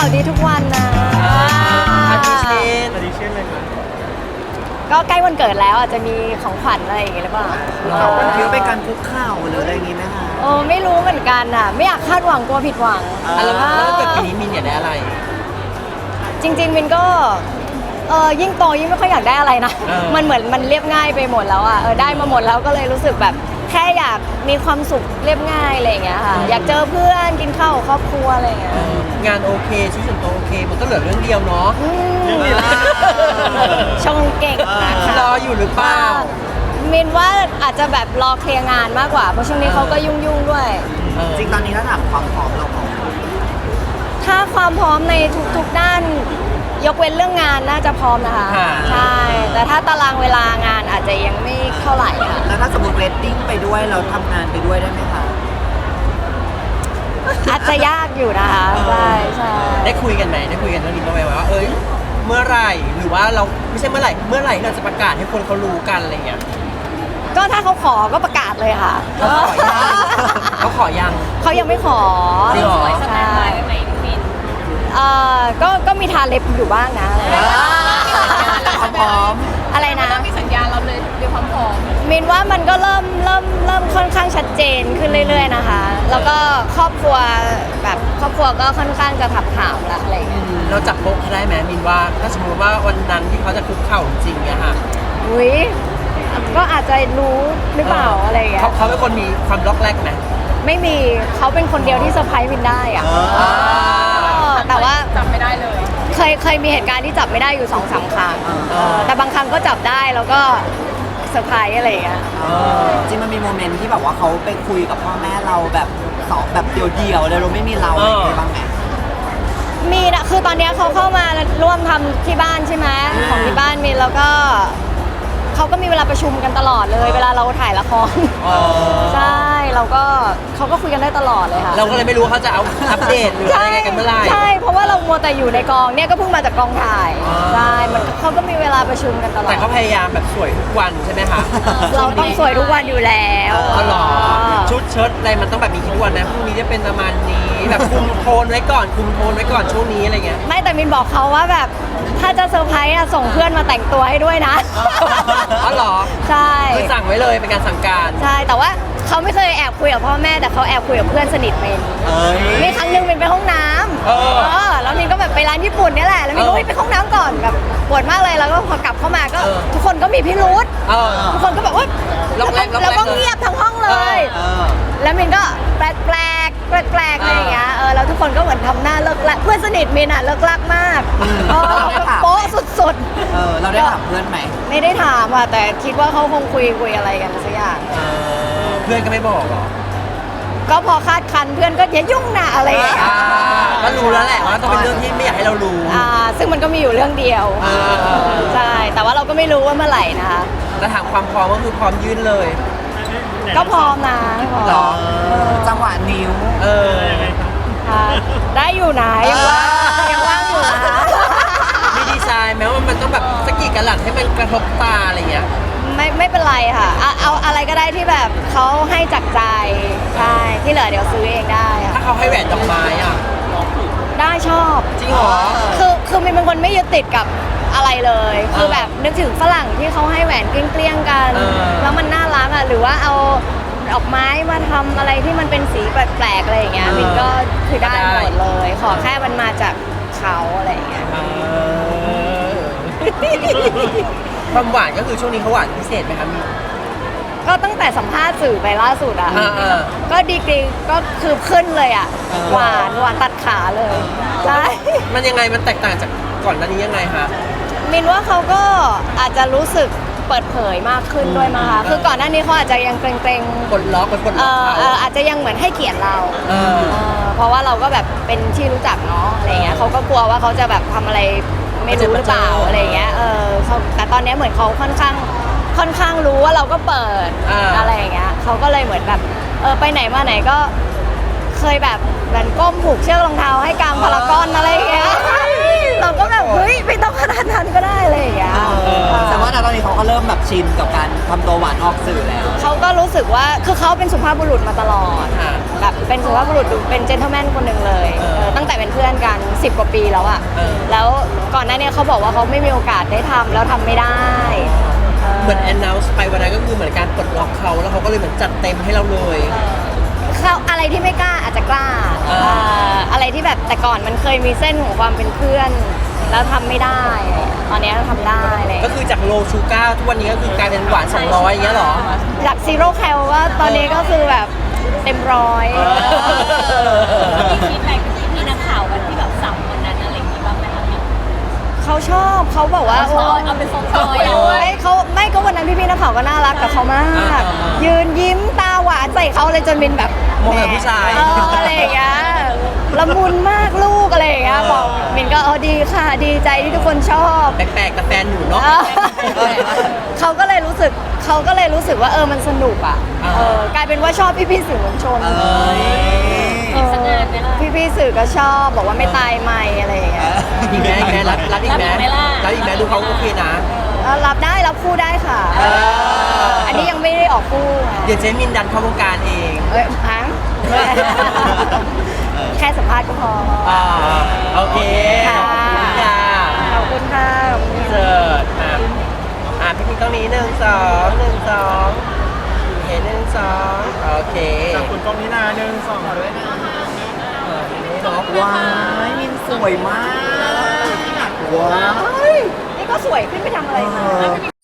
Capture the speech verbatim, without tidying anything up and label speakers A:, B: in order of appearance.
A: าวดีทุกวันนะ
B: อาทิเช่น
C: อันนี้เช่นเลยครับ
A: ก็ใกล้วันเกิดแล้วอาจจะมีของขวัญอะไรอย่างเงี้ยหรือเปล่า
D: มันคิดว่าเป็นการคุกเข่าหรืออะไรอย่างงี้ไหมคะ
A: โอ้ไม่รู้เหมือนกันอ่ะ ไม่อยากคาดหวังกลัวผิดหวัง
B: อ่ะแล้วแล้วเกิดปีนี้มินอยากได้อะไร
A: จริงๆมินก็เออยิ่งโตยิ่งไม่ค่อยอยากได้อะไรนะ
B: เออ
A: มันเหมือนมันเรียบง่ายไปหมดแล้วอ่ะเออได้มาหมดแล้วก็เลยรู้สึกแบบแค่อยากมีความสุขเรียบง่ายอะไรอย่างเงี้ยค่ะ อยากเจอเพื่อนกินข้าวกับครอบครัวอะไรอย่างเงี้ย
B: เอองานโอเคชีวิตส่วนตัวโอเค มันก็เหลือเรื่องเดียวเนาะ
A: อืม
C: เรื่องนี้ละ
A: ชงเก่งนะคะ
B: รออยู่หรือเปล่า
A: มินว่าอาจจะแบบรอเคลียร์งานมากกว่าเพราะช่วงนี้เขาก็ยุ่งๆด้วย
B: เออ
D: จริงตอนนี้ถ้าถามความพร้อมเราพร้อม
A: ถ้าความพร้อมในทุกๆด้าน ยกเว้นเรื่องงานน่าจะพร้อมนะคะ
B: ค่ะ
A: ใช่ แต่ถ้าตารางเวลางานอาจจะยังไม่เท่าไหร่ค่ะ
D: แล้วถ้าสมมติเวดดิ้งไปด้วยเราทำงานไปด้วยได้ไหมคะ
A: อาจจะยากอยู่นะคะใช่ใช่
B: ได้คุยกันไหมได้คุยกันเรื่องนี้บ้างไหมว่าเอ้ยเมื่อไหร่หรือว่าเราไม่ใช่เมื่อไหร่เมื่อไหร่เราจะประกาศให้คนเขารู้กันอะไรเงี้ย
A: ก็ถ้าเขาขอก็ประกาศเลยค่ะ
B: เขาขอยังเขาขอยัง
A: เขายังไม่ขอ
B: จริงเหรอ
A: ใช่เอ่อก็ก็มีทาเล็บอยู่บ้างนะ
D: ความพร้อม
A: อะไรนะ
E: มีสัญญาณเราเลยเรื่องความพร้อม
A: มินว่ามันก็เริ่มเริ่มเริ่มค่อนข้างชัดเจนขึ้นเรื่อย ๆนะคะ แล้วก็ครอบครัวแบบครอบครัวก็ค่อนข้างจะถับถามละอะไรอย่างเงี้ย
B: เราจับโป๊ะเขาได้ไหมมินว่าถ้าสมมติว่าวันนั้นที่เขาจะคุกเข่าจริงๆเนี่ยค่ะ
A: อุ้ยก็อาจจะรู้หรือเปล่าอะไรอย่างเงี้ย
B: เขาเขาเป็นคนมีความล็อกแรกไหม
A: ไม่มีเขาเป็นคนเดียวที่เซอร์ไพรส์มินได้อะ
B: อ่า
A: แต่ว่า
E: จำไม่ได้เลย
A: เคยเคยมีเหตุการณ์ที่จับไม่ได้อยู่สองสามครั้ง
D: อ่า
A: เออแต่บางครั้งก็จับได้แล้วก็เซอร์ไพรส์อะไรอย่างเงี้ย
D: เออจริงมันมีโมเมนต์ที่แบบว่าเขาไปคุยกับพ่อแม่เราแบบสองแบบเดียวๆเลยเราไม่มีเราอะไรอย่างเงี้ยบ้างไหม
A: มีนะคือตอนเนี้ยเขาเข้ามาร่วมทำที่บ้านใช่ไหมของที่บ้านมีแล้วก็เขาก็มีเวลาประชุมกันตลอดเลย เวลาเราถ่ายละคร
B: อ๋อ
A: ใช่เราก็เขาก็คุยกันได้ตลอดเลยค่ะ
B: เราก็เลยไม่รู้ว่าเขาจะเอาอัปเดตหรืออะไรไงกันเมื่อไหร่
A: ใช่เพราะว่าเรามัวแต่อยู่ในกองเนี่ยก็เพิ่งมาจากกองถ่าย
B: อ๋อ
A: ใช่มันเขาก็มีเวลาประชุมกันตลอด
B: แต่เขาพยายามแบบสวยทุกวันใช่ไหมคะ
A: เราต้องสวยทุกวันอยู่แล้ว
B: อ๋อเหรอชุดเชิ้ตอะไรมันต้องแบบมีคิดทุกวันนะพรุ่งนี้จะเป็นประมาณนี้แบบคุมโทนไว้ก่อนคุมโทนไว้ก่อนช่วงนี้อะไรเงี้ย
A: ไม่แต่มินบอกเขาว่าแบบถ้าจะเซอร์ไพรส์อะส่งเพื่อนมาแต่งตัวให้ด้วยนะ
B: อ๋อเหรอ
A: ใช่
B: คือสั่งไว้เลยเป็นการสั่งการ
A: ใช่แต่ว่าเขาไม่เคยแอบคุยกับพ่อแม่แต่เขาแอบคุยกับเพื่อนสนิทมิน
B: เอ้ย
A: มีครั้งหนึงมินไปห้องน้ำ
B: เออ
A: เออแล้วมินก็แบบไปร้านญี่ปุ่นเนี่ยแหละแล้วมินก็
B: เออ
A: เฮ้ยไปห้องน้ำก่อนแบบปวดมากเลยแล้วก็พอกลับเข้ามาก็
B: เออ
A: ทุกคนก็มีพิรุธ
B: เออ
A: ทุกคนก็แบบว่า
B: ล็อกแรกล็อกแรก
A: แล้วก็
B: เลย
A: เงียบทั้งห้องเลย
B: เอ
D: เออ
A: แล้วมินก็แปลกแปลกแปลกแปลกๆอะไรอย่างเงี้ยเออแล้วทุกคนก็เหมือนทำหน้าเลิกลักเพื่อนสนิทมินอะเลิกลักมากเออโป๊ะสุด
D: เออเราได้ถามเพื่อนไหม
A: ๆ ไม่ได้ถามอะแต่คิดว่าเขาคงคุยคุยอะไรกันสักอย่าง
B: เออเพื่อนก็ไม่บอกหรอ
A: ก็พอคาดคันเพื่อนก็อย่ายุ่งนะอะไรอย่างเงี้ย
B: อ่าก็รู้แล้วแหละว่าต้องเป็นเรื่องที่ไม่อยากให้เรารู้
A: อ่าซึ่งมันก็มีอยู่เรื่องเดียว
B: อ่า
A: ใช่แต่ว่าเราก็ไม่รู้ว่าเมื่อไหร่นะคะ
B: แล้วถามความพร้อมก็คือพร้อมยื่นเลย
A: ก็พร้อมนะพร้อม
D: หรอจังหวะนิ้ว
B: เออ
A: ค่ะได้อยู่นะยังว่างยังว่างอยู่นะ
B: มีดีไซน์แม้ว่ามันต้องแบบสกกี่กะลัดให้มันกระทบตาอะไรเงี้ย
A: ไม่ไม่เป็นไรค่ะเอาเอาอะไรก็ได้ที่แบบเขาให้จากใจใช่ที่เหลือเดี๋ยวซื้อเองได้
B: ถ้า
A: ค่ะ
B: เขาให้แหวนดอกไม้อ่ะ
A: ได้ชอบ
B: จริงเหรอ
A: คือคือมินเป็นคนไม่ยึดติดกับอะไรเลย คือแบบนึกถึงฝรั่งที่เขาให้แหวนเกลี้ยงๆกัน
B: เออ
A: แล้วมันน่ารักอ่ะหรือว่าเอาดอกไม้มาทำอะไรที่มันเป็นสีแปลกๆอะไรอย่างเงี้ยมินก็คือได้หมดเลย ขอแค่มันมาจากเขาอะไรอย่างเงี้ย
B: เออความหวานก็คือช่วงนี้เขาหวานพิเศษไหมคะมี
A: ก็ตั้งแต่สัมภาษณ์สื่อไปล่าสุดอ่ะ
B: อ่าอ่า
A: ก็ดีกรีก็คือขึ้นเลยอ่ะหวานหวานตัดขาเลยใช่
B: มันยังไงมันแตกต่างจากก่อนหน้านี้ยังไงคะ
A: มินว่าเขาก็อาจจะรู้สึกเปิดเผยมากขึ้นด้วยมั้งคะคือก่อนหน้านี้เขาอาจจะยังเกรง
B: กดล็อกไปกด
A: ๆเอ
B: ล็อก
A: อ
B: เขา
A: เอออาจจะยังเหมือนให้เกียรติเรา
B: เออ
A: เออเพราะว่าเราก็แบบเป็นที่รู้จักเนาะอะไรเงี้ยเขาก็กลัวว่าเขาจะแบบทำอะไรไม่รู้หรือเปล่าอะไรเงี้ยเออเขาแต่ตอนนี้เหมือนเขาค่อนข้างค่อนข้างรู้ว่าเราก็เปิด
B: อ่า
A: อะไรอย่างเงี้ยเขาก็เลยเหมือนแบบเออไปไหนมาไหนก็เคยแบบเหมือนก้มผูกเชือกรองเท้าให้กลางพารากอนอะไรอย่างเงี้ยเราก็แบบเฮ้ยไม่ต้องขนาดนั้นก็ได้อะไรอย่างเงี้ย
D: แต่ว่าตอนนี้เขาก็เริ่มมแบบชินกับการทำตัวหวานออกสื่อแล้ว
A: เขาก็รู้สึกว่าคือเขาเป็นสุภาพบุรุษมาตลอด
B: ค่ะ
A: แบบเป็นสุภาพบุรุษเป็นเจนเทลแมนคนหนึ่งเลย
B: เออ
A: เออตั้งแต่เป็นเพื่อนกันสิบกว่าปีแล้วอะ
B: เออ
A: แล้วก่อนหน้านี้เขาบอกว่าเขาไม่มีโอกาสได้ทำแล้วทำไม่ได้เออ
B: เหมือน announce ไปวันนั้นก็คือเหมือนการปลดล็อกเขาแล้วเขาก็เลยเหมือนจัดเต็มให้เราเลย
A: เขาอะไรที่ไม่กล้าอาจจะกล้า
B: เออ
A: เอ่ออะไรที่แบบแต่ก่อนมันเคยมีเส้นของความเป็นเพื่อน แล้วทำไม่ได้ ตอนนี้ทำได้เลย
B: ก็คือจากโลชูก้าทุกวันนี้ก็คือกลายเป็นหวานสองร้อยอย่างเงี้ยเหรอ
A: จากซีโร่แคลว่าตอนนี้ก็คือแบบเต็มร้อย
B: เออ
E: มีฟีดแบ็กจากพี่นักข่าวกันที่แบบสับวันนั้นอะไรอย่างงี้บ้างไหมคะเนี่ย
A: เขาชอบเขาบอกว่า
E: เอาซอยเอาเป็นซอยๆอะ
A: ไม่เขาไม่ก็วันนั้นพี่ๆนักข่าวก็น่ารักกับเขามาก ยืนยิ้มตาหวานใส่เขาเลยจนมินแบบ
B: มองแบบผู้ชาย
A: เอออะไรอย่างเงี้ยละมุนมากลูกอะไรอย่างเงี้ย
B: เออ
A: บอกมินก็เออดีค่ะดีใจที่ทุกคนชอบ
B: แปลกๆกับแฟนหนูเนาะ
A: เออเขาก็เลยรู้สึกเขาก็เลยรู้สึกว่าเออมันสนุกอ่ะ
B: อ่า
A: เออกลายเป็นว่าชอบพี่ๆสื่อมวลชน
D: เอ้ย
A: เออพี่ๆสื่อก็ชอบบอกว่าไม่ตายไม่อะไรอย่างเงี้ย
B: อีกไหมอีกไหมรับรับอีกไหม
E: รับอีกไหมล่ะ
B: รับอีกไหมดูเขาโอเคนะ
A: เออรับได้รับคู่ได้ค่ะ
B: เออ
A: อันนี้ยังไม่ได้ออกคู่ไง
B: เดี๋ยวเจมินดันเข้าวงการเอง
A: เอ้ยพังแค่สัมภาษณ์ก็พอ
B: อ่าโอเค
A: ค่ะ
B: ขอบคุณค่ะ
A: ขอบคุณค่ะ
B: เสิร์ชอ่ะอ่ะพี่พีตรงนี้หนึ่งสองหนึ่งสองโอเคหนึ่งสองโอเค
C: จากคุณกล้องนี้นาหนึ่งสองด้วยนะ
B: เออนี่เนาะ
D: ว้ายมินสวยมาก ว้าย
A: นี่ก็สวยขึ้นไปทำอะไรมา